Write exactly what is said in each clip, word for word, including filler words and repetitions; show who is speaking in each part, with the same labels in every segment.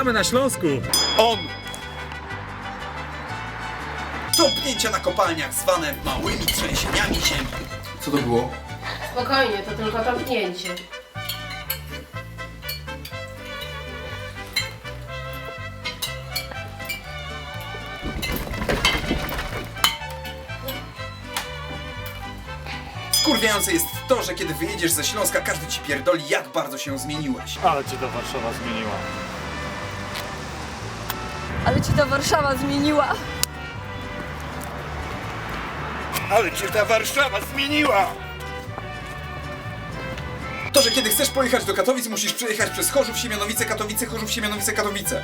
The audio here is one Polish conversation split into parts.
Speaker 1: jesteśmy na Śląsku.
Speaker 2: On! Tąpnięcia na kopalniach zwane małymi trzęsieniami ziemi. Co to było?
Speaker 3: Spokojnie, to tylko tąpnięcie.
Speaker 2: Wkurwiające jest to, że kiedy wyjedziesz ze Śląska, każdy ci pierdoli, jak bardzo się zmieniłeś.
Speaker 1: Ale cię ta Warszawa zmieniła.
Speaker 4: Ale ci ta Warszawa zmieniła.
Speaker 2: Ale cię ta Warszawa zmieniła! To, że kiedy chcesz pojechać do Katowic, musisz przejechać przez Chorzów, Siemianowice, Katowice, Chorzów, Siemianowice, Katowice.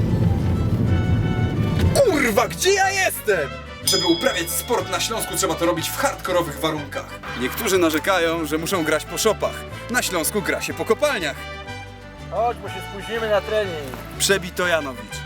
Speaker 2: Kurwa, gdzie ja jestem? Żeby uprawiać sport na Śląsku, trzeba to robić w hardkorowych warunkach. Niektórzy narzekają, że muszą grać po szopach. Na Śląsku gra się po kopalniach.
Speaker 5: Chodź, bo się spóźnimy na trening.
Speaker 2: Przebito Janowicz.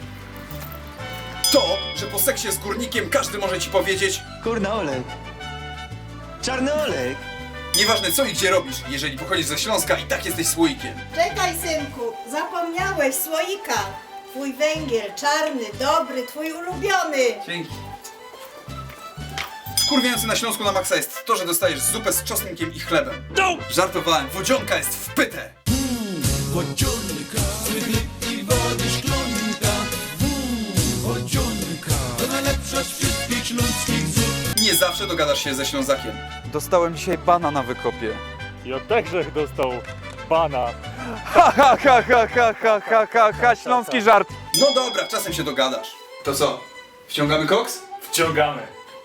Speaker 2: To, że po seksie z górnikiem każdy może ci powiedzieć:
Speaker 6: Kurna Olek. Czarny Olek.
Speaker 2: nieważne co i gdzie robisz, jeżeli pochodzisz ze Śląska, i tak jesteś słoikiem.
Speaker 7: Czekaj, synku, zapomniałeś słoika. Twój węgiel, czarny, dobry, twój ulubiony.
Speaker 2: Dzięki. Wkurwiający na Śląsku na maksa jest to, że dostajesz zupę z czosnkiem i chlebem. No! Żartowałem, wodzionka jest w pytę.
Speaker 8: Wodzionka, i wody szklonka. Wodzionka, to najlepsza z wszystkich śląskich zup.
Speaker 2: Nie zawsze dogadasz się ze Ślązakiem.
Speaker 9: Dostałem dzisiaj bana na wykopie.
Speaker 1: I od Grzech dostał bana.
Speaker 9: Ha ha ha ha ha ha ha ha ha, śląski żart.
Speaker 2: No dobra, czasem się dogadasz. To co? Wciągamy koks?
Speaker 1: Wciągamy.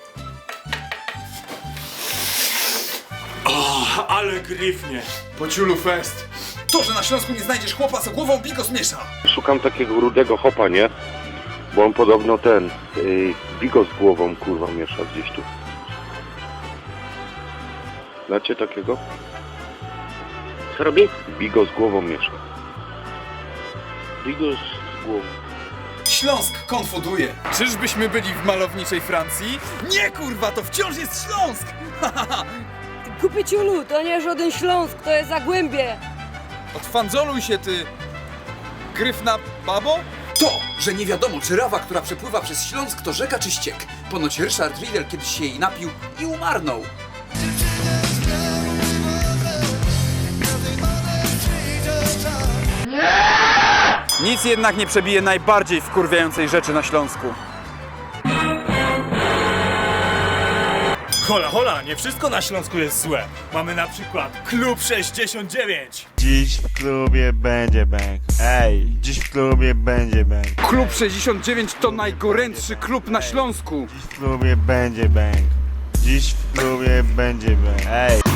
Speaker 1: O, ale gryfnie.
Speaker 2: Po ciulu fest. To, że na Śląsku nie znajdziesz chłopa, co głową bigos miesza.
Speaker 10: Szukam takiego rudego chopa, nie? Bo on podobno ten yy, bigos z głową kurwa miesza gdzieś tu. Znacie takiego? Co robi? Bigos z głową miesza. Bigos z głową.
Speaker 2: Śląsk konfuduje. Czyżbyśmy byli w malowniczej Francji? Nie kurwa, to wciąż jest Śląsk!
Speaker 4: Kupiciulu, to nie żaden Śląsk, to jest Zagłębie.
Speaker 9: Odfandzoluj się ty, gryfna babo.
Speaker 2: To, że nie wiadomo, czy rawa, która przepływa przez Śląsk, to rzeka czy ściek. Ponoć Ryszard Riedel kiedyś się jej napił i umarnął.
Speaker 9: Nic jednak nie przebije najbardziej wkurwiającej rzeczy na Śląsku.
Speaker 1: Hola, hola, nie wszystko na Śląsku jest złe. Mamy na przykład Klub sześćdziesiąt dziewięć.
Speaker 5: Dziś w klubie będzie bang. Ej, dziś w klubie będzie bang.
Speaker 9: Klub sześćdziesiąt dziewięć to najgorętszy klub na Śląsku.
Speaker 5: Dziś w klubie będzie bang. Dziś w klubie będzie bang. Ej.